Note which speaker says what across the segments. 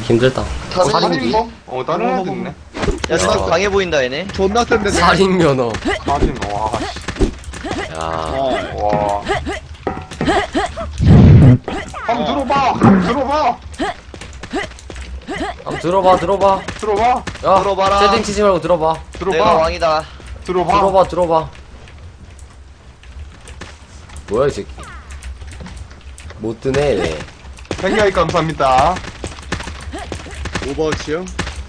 Speaker 1: 힘들다.
Speaker 2: 살인기?
Speaker 3: 다른 애들 있네.
Speaker 2: 야, 좀 강해 보인다, 얘네.
Speaker 4: 존나 센데.
Speaker 1: 살인 면허.
Speaker 3: 살인, 와, 씨.
Speaker 1: 야,
Speaker 3: 와. 한번 들어봐! 들어봐!
Speaker 1: 한번 들어봐, 들어봐.
Speaker 3: 들어봐!
Speaker 1: 야,
Speaker 2: 들어봐라.
Speaker 1: 세팅 치지 말고 들어봐.
Speaker 2: 내가
Speaker 3: 들어봐!
Speaker 2: 왕이다.
Speaker 3: 들어봐!
Speaker 1: 들어봐. 뭐야, 이 새끼. 못 드네, 얘네.
Speaker 3: 생각이 감사합니다.
Speaker 4: 오버워치요?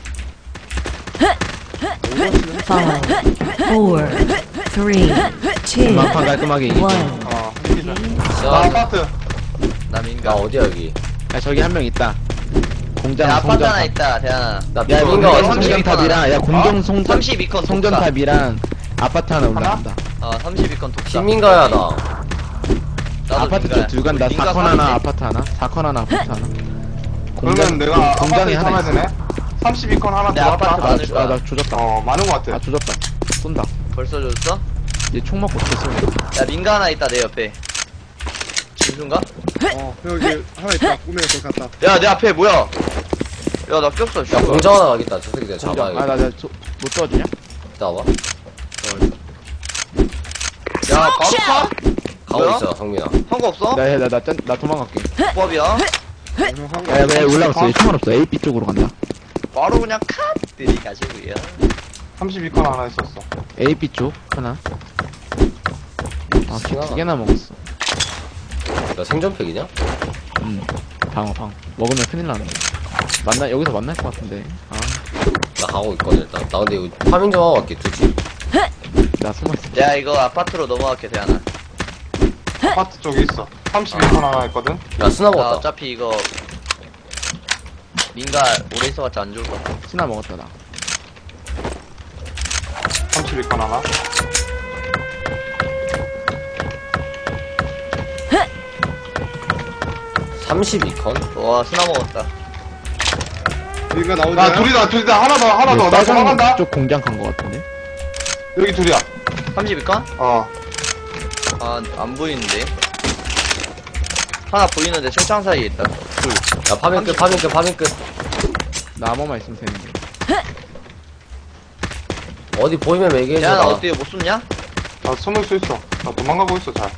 Speaker 5: 5, 4, 3, 2,
Speaker 6: 막판 깔끔하게 이기죠.
Speaker 5: 1.
Speaker 3: 나
Speaker 1: 자,
Speaker 3: 아파트.
Speaker 2: 나
Speaker 1: 나
Speaker 2: 민가.
Speaker 1: 어디야, 여기?
Speaker 6: 야 저기 한 명 있다. 공장
Speaker 2: 야, 아파트 하나
Speaker 6: 송전탑.
Speaker 2: 있다, 대한아.
Speaker 1: 나
Speaker 6: 야
Speaker 1: 민가
Speaker 6: 민가
Speaker 1: 어디?
Speaker 6: 32탑이랑 야 공정 송전
Speaker 2: 32컨
Speaker 6: 송전탑이랑 아파트 하나 올라간다.
Speaker 2: 32컨 독사.
Speaker 1: 김민가야, 나.
Speaker 2: 나도
Speaker 6: 아파트
Speaker 2: 민가야.
Speaker 6: 쪽 둘 간다.
Speaker 2: 민가
Speaker 6: 4컨 하나
Speaker 2: 사는데.
Speaker 6: 아파트 하나. 4컨 하나 아파트 하나.
Speaker 3: 그러면 내가
Speaker 6: 공장이
Speaker 3: 아파트
Speaker 6: 하나
Speaker 3: 참아야
Speaker 6: 있어.
Speaker 3: 되네? 32컨 하나
Speaker 2: 내 아파트
Speaker 3: 들어왔다.
Speaker 2: 많을 거야.
Speaker 6: 나 조졌다.
Speaker 3: 많은 것 같아.
Speaker 6: 아 조졌다. 쏜다.
Speaker 2: 벌써 줬어?
Speaker 6: 얘 총 맞고 어떻게 쏘냐.
Speaker 2: 야, 민가 하나 있다, 내 옆에. 진순가?
Speaker 4: 여기 하나 있다. 꾸미가 거기 갔다.
Speaker 2: 야, 내 앞에 뭐야? 야, 나 꼈어,
Speaker 1: 야,
Speaker 2: 씨.
Speaker 1: 공장 하나 가겠다. 저 새끼 내가 잡아야겠다.
Speaker 6: 아나못 도와주냐?
Speaker 1: 이따 와봐.
Speaker 2: 야, 바로 차?
Speaker 1: 가고
Speaker 2: 뭐야?
Speaker 1: 있어, 성민아.
Speaker 2: 한거 없어?
Speaker 6: 나 도망갈게.
Speaker 2: 조합이야?
Speaker 4: 한 거.
Speaker 6: 야 올라갔어. 얘 총알 없어. AP 쪽으로 간다.
Speaker 2: 바로 그냥 컷! 들이가지고요.
Speaker 3: 32컨 하나 있었어.
Speaker 6: AP 쪽 하나.
Speaker 1: 신하다.
Speaker 6: 두 개나 먹었어.
Speaker 1: 나 생존팩이냐?
Speaker 6: 방어. 먹으면 큰일 나는데. 여기서 만날 것 같은데.
Speaker 1: 나 가고 있거든, 일단. 나 근데 이거 파밍 좀 하고 갈게, 두지.
Speaker 6: 나 숨어있어.
Speaker 2: 야, 이거 아파트로 넘어갈게, 대한아.
Speaker 3: 아파트 쪽에 있어. 32컨 하나 있거든?
Speaker 1: 야, 스나
Speaker 2: 나
Speaker 1: 먹었다.
Speaker 2: 어차피 이거 민가 오래 있어봤자 안 좋을 것 같아.
Speaker 6: 신나 먹었다 나.
Speaker 3: 32컨 하나.
Speaker 1: 삼십이 컨?
Speaker 2: 와, 스나 먹었다.
Speaker 4: 여기가 나오냐?
Speaker 3: 야, 둘이다. 하나 더. 나
Speaker 6: 빨간
Speaker 3: 도망간다.
Speaker 6: 쪽 공장 간 것 같은데.
Speaker 3: 여기 둘이야.
Speaker 2: 32건? 아, 안 보이는데. 하나 보이는데 철창 사이에 있다. 둘.
Speaker 1: 야, 파밍 끝.
Speaker 6: 나 암호만 있으면 되는데.
Speaker 1: 어디 보이면 얘기해줘.
Speaker 2: 야, 나
Speaker 1: 나.
Speaker 2: 어떻게 못 숨냐?
Speaker 3: 나 숨을 수 있어. 나 도망가고 있어, 잘.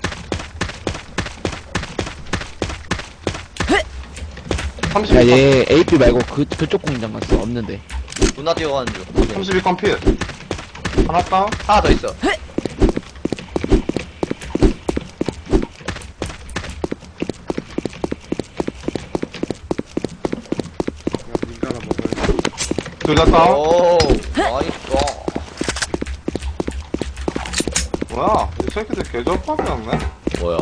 Speaker 3: 32컨,
Speaker 6: 야얘 AP 말고 그쪽 공장 갔어. 없는데.
Speaker 2: 누나 뛰어가는 중.
Speaker 3: 32컨 필. 하나 다운?
Speaker 2: 하나 더 있어.
Speaker 4: 민가나 먹어야
Speaker 3: 둘 다 다운?
Speaker 2: 오, 나이스.
Speaker 3: 뭐야? 이 새끼들 개저밥이 없네?
Speaker 1: 뭐야?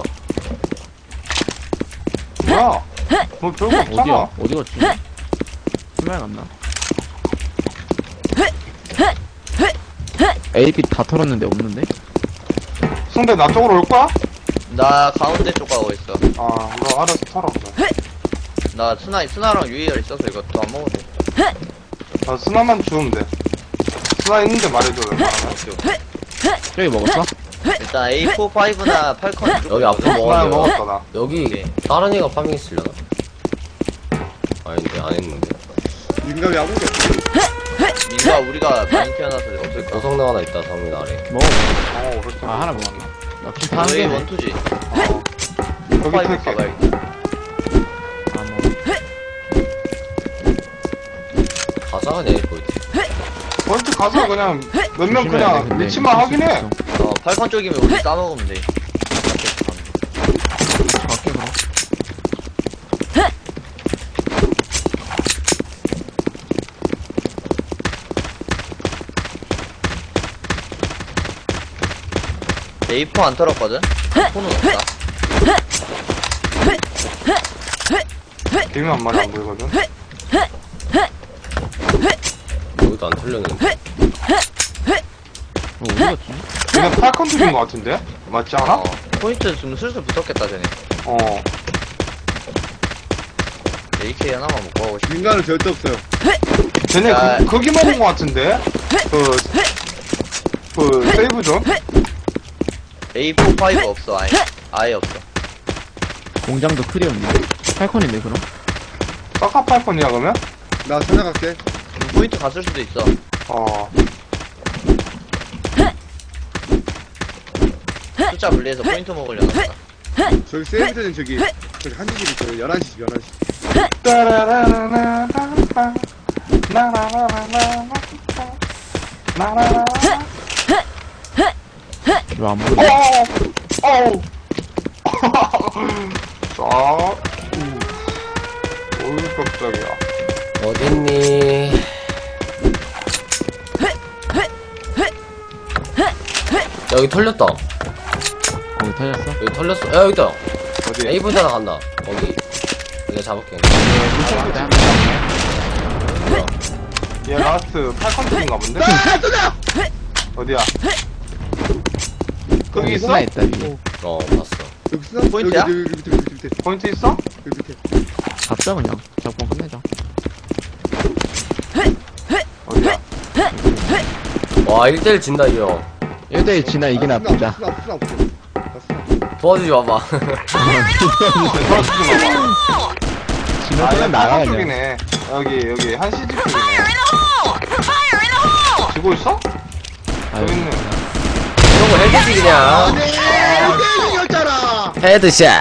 Speaker 3: 뭐야? 뭐 별거 없잖아.
Speaker 6: 어디야? 어디 갔지? 신발 갔나? AP 다 털었는데 없는데?
Speaker 3: 승대 나 쪽으로 올 거야?
Speaker 2: 나 가운데 쪽 가고 있어.
Speaker 3: 너 알아서 털어. 그래.
Speaker 2: 나 스나랑 유희열 있어서 이거 또 안 먹어도 돼.
Speaker 3: 나 스나만 주우면 돼. 스나 있는데 말해줘, 웬만하면.
Speaker 6: 저기 먹었어?
Speaker 2: 일단 A4, 5나 8컨
Speaker 1: 여기 앞으로
Speaker 3: 스나
Speaker 1: 먹었네.
Speaker 3: 먹었다, 나.
Speaker 1: 여기
Speaker 2: 오케이.
Speaker 1: 다른 애가 파밍 했으려나? 아닌데, 안 했는데.
Speaker 4: 민가 왜 아무것도 없지?
Speaker 2: 민가 우리가 많이 태어나서 없을 거야.
Speaker 1: 고성능 하나 있다, 성민 아래.
Speaker 6: 먹어.
Speaker 3: 그렇지.
Speaker 6: 아 하나 먹었나? 나키타 한
Speaker 2: 너희
Speaker 6: 개네.
Speaker 2: 원투지.
Speaker 3: 여기
Speaker 2: 5
Speaker 3: 탈게.
Speaker 2: 가봐야겠다.
Speaker 6: 아 먹어.
Speaker 1: 가자, 그냥 이거 있지.
Speaker 3: 번트 가서 그냥 몇 명
Speaker 6: 조심해야 돼,
Speaker 3: 그냥
Speaker 6: 근데.
Speaker 3: 위치만 확인해.
Speaker 6: 있어.
Speaker 2: 8컨 쪽이면 우리 싸먹으면 돼.
Speaker 6: 갈게 그럼.
Speaker 2: A4 안 털었거든? 폰은 없다.
Speaker 3: 비면 한 마리 안 보이거든?
Speaker 1: 여기도 안 털렸는데.
Speaker 6: 어디 갔지?
Speaker 3: 그냥 8컨 죽인 거 같은데? 맞지 않아?
Speaker 2: 포인트 좀 슬슬 붙었겠다, 쟤네. AK 하나만 먹고 하고 싶어.
Speaker 4: 민가는 절대 없어요.
Speaker 3: 쟤네
Speaker 2: 야.
Speaker 3: 거기 먹은 거 같은데? 세이브 존?
Speaker 2: A4, 5 없어, 아예 없어.
Speaker 6: 공장도 클리어인데. 8컨인데 그럼?
Speaker 3: 사카 8컨이야, 그러면?
Speaker 4: 나 찾아갈게.
Speaker 2: 포인트 갔을 수도 있어. 숫자 분리해서 포인트 먹으려나 보다.
Speaker 4: 저기 세이브되는 저기 한시 집 있어요. 11시 집 11시.
Speaker 6: 이거 안 보여.
Speaker 3: 어우 깜짝이야.
Speaker 1: 어딨니? 여기 털렸다.
Speaker 6: 거기 터졌어?
Speaker 1: 여기 털렸어. 야, 여기 있다.
Speaker 3: 어디?
Speaker 1: 에이브 하나 간다. 거기. 내가 잡을게.
Speaker 3: 얘 라스트 8컨트인가 본데? 어디야? 거기 있어?
Speaker 6: 스나 있다, 위에.
Speaker 1: 봤어.
Speaker 4: 여기 쓰나?
Speaker 2: 포인트야?
Speaker 4: 여기 밑에.
Speaker 3: 포인트 있어?
Speaker 4: 여기 밑에.
Speaker 6: 잡자, 그냥. 잡고 끝내자.
Speaker 3: 어디야?
Speaker 1: 와, 1대1 진다, 이 형.
Speaker 6: 1대1 지나 이게 나쁘자.
Speaker 4: 쓰나 없어. 나 쓰나.
Speaker 1: 도와주지 마봐.
Speaker 3: 도와주지 마봐.
Speaker 6: 지나
Speaker 3: 아,
Speaker 6: 그냥
Speaker 3: 얘
Speaker 6: 나가,
Speaker 3: 나가
Speaker 6: 그냥.
Speaker 3: 쪽이네. 여기 한시 집 쪽이네. 지고 있어?
Speaker 6: 아유,
Speaker 3: 여기 있네.
Speaker 1: 이런 거 헤드지, 그냥.
Speaker 4: 이겼잖아.
Speaker 1: 헤드샷.